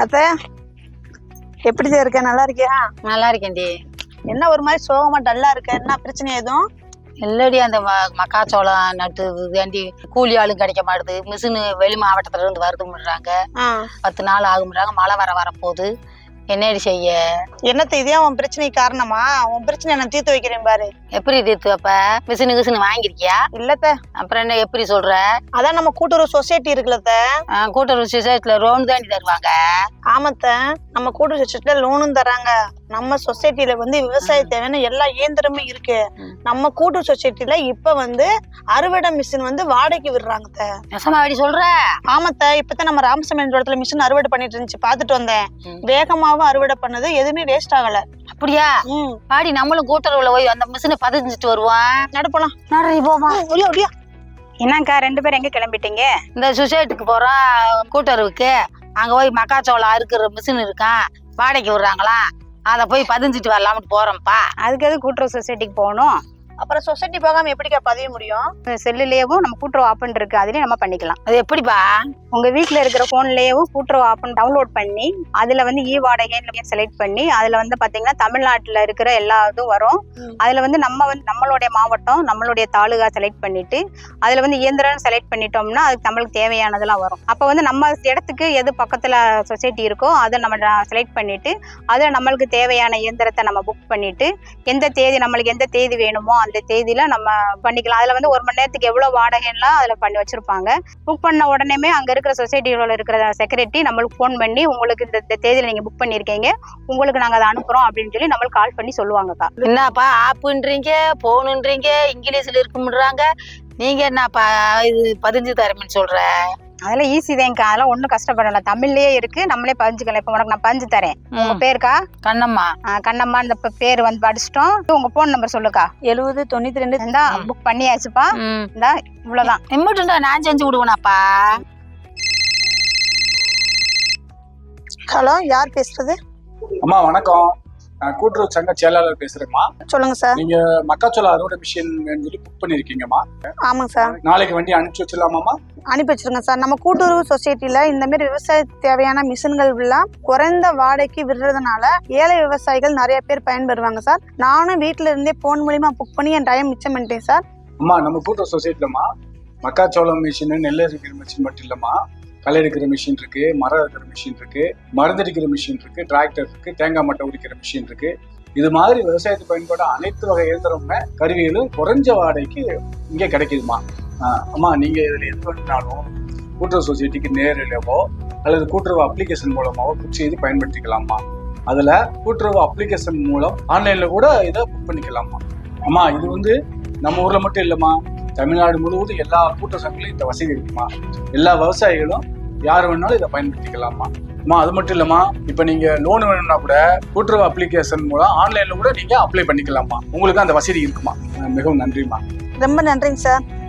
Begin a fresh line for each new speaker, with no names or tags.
அத்த எப்படி இருக்க? நல்லா இருக்கியா?
நல்லா இருக்கேன்டி.
என்ன ஒரு மாதிரி சோகமா டல்லா இருக்க? என்ன பிரச்சனை எதுவும்
இல்லடி, அந்த மக்காச்சோளம் நட்டு வேண்டி கூலி ஆளும் கிடைக்க மாட்டுது. மிஷினு வெளி மாவட்டத்துல இருந்து வருதுன்றாங்க. 10 நாள் ஆகும்ன்றாங்க. மழை வரப்போகுது. என்னடி செய்ய?
என்னத்த இதே உன் பிரச்சனைக்கு காரணமா? உன் பிரச்சனை நான் தீர்த்து வைக்கிறேன் பாரு.
எப்படி தீர்த்து வைப்ப? மிஷினு வாங்கிருக்கியா?
இல்லத்த.
அப்புறம் என்ன எப்படி சொல்ற?
அதான் நம்ம கூட்டுறவு சொசைட்டி இருக்குல்லத்த.
கூட்டுறவு சொசைட்டில லோன் தாண்டி தருவாங்க.
ஆமாத்த, நம்ம கூட்டுறவு சொசைட்டில லோனும் தராங்க. நம்ம சொசைட்டில விவசாய தேவையான எல்லா இயந்திரமும் இருக்கு. நம்ம கூட்டுறவு சொசைட்டில இப்ப அறுவடை மிஷின் வாடகைக்கு விடுறாங்க.
நெசமாடி சொல்ற?
ஆமாத்த, இப்பதான் நம்ம ராமசாமி இடத்துல மிஷின் அறுவடை பண்ணிட்டு இருந்துச்சு, பாத்துட்டு வந்தேன். வேகமாவும் அறுவடை பண்ணது, எதுவுமே வேஸ்ட் ஆகல.
அப்படியா? பாடி நம்மளும் கூட்டுறவுல போய் அந்த மிஷினை பதிஞ்சிட்டு வருவோம்.
நடப்பலாம்.
என்னக்கா 2 பேரும் எங்க கிளம்பிட்டீங்க?
இந்த சொசைட்டிக்கு போறோம், கூட்டுறவுக்கு. அங்க போய் மக்காச்சோளம் அறுக்கிற மிஷின் இருக்கான், வாடகைக்கு விடுறாங்களா, அத போய் பதிஞ்சிட்டு வரலாம்னு போறோம்ப்பா.
அதுக்கு எது கூட்டுறவு சொசைட்டிக்கு போகணும்?
அப்புறம் சொசைட்டி போகாம எப்படிக்கா பதிய முடியும்?
செல்லுலயவும் நம்ம கூட்டுறவு ஆப்னு இருக்கு, அதுலயே நம்ம பண்ணிக்கலாம்.
அது எப்படிப்பா?
உங்க வீட்டுல இருக்கிற போன்லயவும் கூட்டுறவு ஆப்னு டவுன்லோட் பண்ணி அதுல இ வாடகை செலக்ட் பண்ணி அதுல பாத்தீங்கன்னா தமிழ்நாட்டுல இருக்கிற எல்லா இதுவும் வரும். அதுல நம்மளுடைய மாவட்டம், நம்மளுடைய தாலுகா செலக்ட் பண்ணிட்டு அதுல இயந்திரம் செலக்ட் பண்ணிட்டோம்னா அதுக்கு நம்மளுக்கு தேவையானதெல்லாம் வரும். அப்ப நம்ம இடத்துக்கு எது பக்கத்துல சொசைட்டி இருக்கோ அதை நம்ம செலக்ட் பண்ணிட்டு அதுல நம்மளுக்கு தேவையான இயந்திரத்தை நம்ம புக் பண்ணிட்டு நம்மளுக்கு எந்த தேதி வேணுமோ அந்த தேதியில நம்ம பண்ணிக்கலாம். அதுல 1 மணி நேரத்துக்கு எவ்வளவு வாடகைலாம் அதுல பண்ணி வச்சிருப்பாங்க. புக் பண்ண உடனேமே அங்க இருக்கிற சொசைட்டியோட இருக்கிற செக்ரட்டரி நம்மளுக்கு போன் பண்ணி, உங்களுக்கு இந்த தேதியில நீங்க புக் பண்ணிருக்கீங்க, உங்களுக்கு நாங்க அதை அனுப்புறோம் அப்படின்னு சொல்லி நம்மளுக்கு கால் பண்ணி சொல்லுவாங்கக்கா.
என்னப்பா ஆப்புன்றீங்க, போனுன்றீங்க, இங்கிலீஷ்ல இருக்கும்ன்றாங்க. நீங்க என்னப்பா இது பதிஞ்சு தரேன்னு சொல்ற?
அதெல்லாம் ஈஸி தான்க்கா, அதெல்லாம் ஒன்றும் கஷ்டப்படல. தமிழ்லயே இருக்கு, நம்மளே பதிஞ்சுக்கலாம். இப்ப உனக்கு நான் பதிஞ்சு தரேன். உங்க பேருக்கா?
கண்ணம்மா.
கண்ணம்மா. இந்த பேர் படிச்சிட்டோம். உங்க போன் நம்பர் சொல்லுக்கா.
7092.
இந்தா புக் பண்ணியாச்சுப்பா. இந்தா இவ்வளவுதான்.
இம்மட்டுண்டா நான் செஞ்சு விடுவேனாப்பா.
ஹலோ, யார் பேசுறது?
அம்மா வணக்கம், நான் கூட்டுறவு சங்க செயலாளர் பேசுறேம்மா.
சொல்லுங்க சார்.
நீங்க மக்காச்சோளம் அறுவடை மிஷின் சொல்லி புக் பண்ணிருக்கீங்கம்மா?
ஆமாங்க சார்.
நாளைக்கு வண்டி அனுப்பிச்சு வச்சிடலாமாம்மா?
அனுப்பி வச்சிருங்க சார். நம்ம கூட்டுறவு சொசைட்டில இந்த மாதிரி விவசாய தேவையான மிஷின்கள் எல்லாம் குறைந்த வாடகைக்கு விடுறதுனால ஏழை விவசாயிகள் நிறைய பேர் பயன்பெறுவாங்க சார். நானும் வீட்டுல இருந்தே போன் மூலியமா புக் பண்ணி என் டைம் மிச்சம் பண்ணிட்டேன் சார்.
அம்மா, நம்ம கூட்டுறவு சொசைட்டிலம்மா மக்காச்சோளம் மிஷின், நெல் அரிக்கிற மிஷின் மட்டும் இல்லம்மா, களை எடுக்கிற மிஷின் இருக்கு, மரம் எடுக்கிற மிஷின் இருக்கு, மருந்தடிக்கிற மிஷின் இருக்கு, டிராக்டர் இருக்கு, தேங்காய் மட்டை உரிக்கிற மிஷின் இருக்கு. இது மாதிரி விவசாயத்துக்கு பயன்பட அனைத்து வகை இயந்திரமுமே கருவிகளும் குறைஞ்ச வாடகைக்கு இங்கே கிடைக்குதுமா. அம்மா, நீங்க இதுல எது பண்ணினாலும் கூட்டுறவு சொசைட்டிக்கு நேரிலவோ அல்லது கூட்டுறவு அப்ளிகேஷன் மூலமாவோ புக் செய்து பயன்படுத்திக்கலாமா. அதுல கூட்டுறவு அப்ளிகேஷன் மூலம் ஆன்லைன்ல கூட இதை புக் பண்ணிக்கலாமா. அம்மா, இது நம்ம ஊர்ல மட்டும் இல்லம்மா, தமிழ்நாடு முழுவதும் எல்லா கூட்டுறவு சங்கங்களும் இந்த வசதி இருக்குமா. எல்லா விவசாயிகளும் யார் வேணாலும் இதை பயன்படுத்திக்கலாமா. அம்மா, அது மட்டும் இல்லம்மா, இப்ப நீங்க லோன் வேணும்னா கூட கூட்டுறவு அப்ளிகேஷன் மூலம் ஆன்லைன்ல கூட நீங்க அப்ளை பண்ணிக்கலாமா. உங்களுக்கு அந்த வசதி இருக்குமா. மிகவும் நன்றிம்மா.
ரொம்ப நன்றிங்க சார்.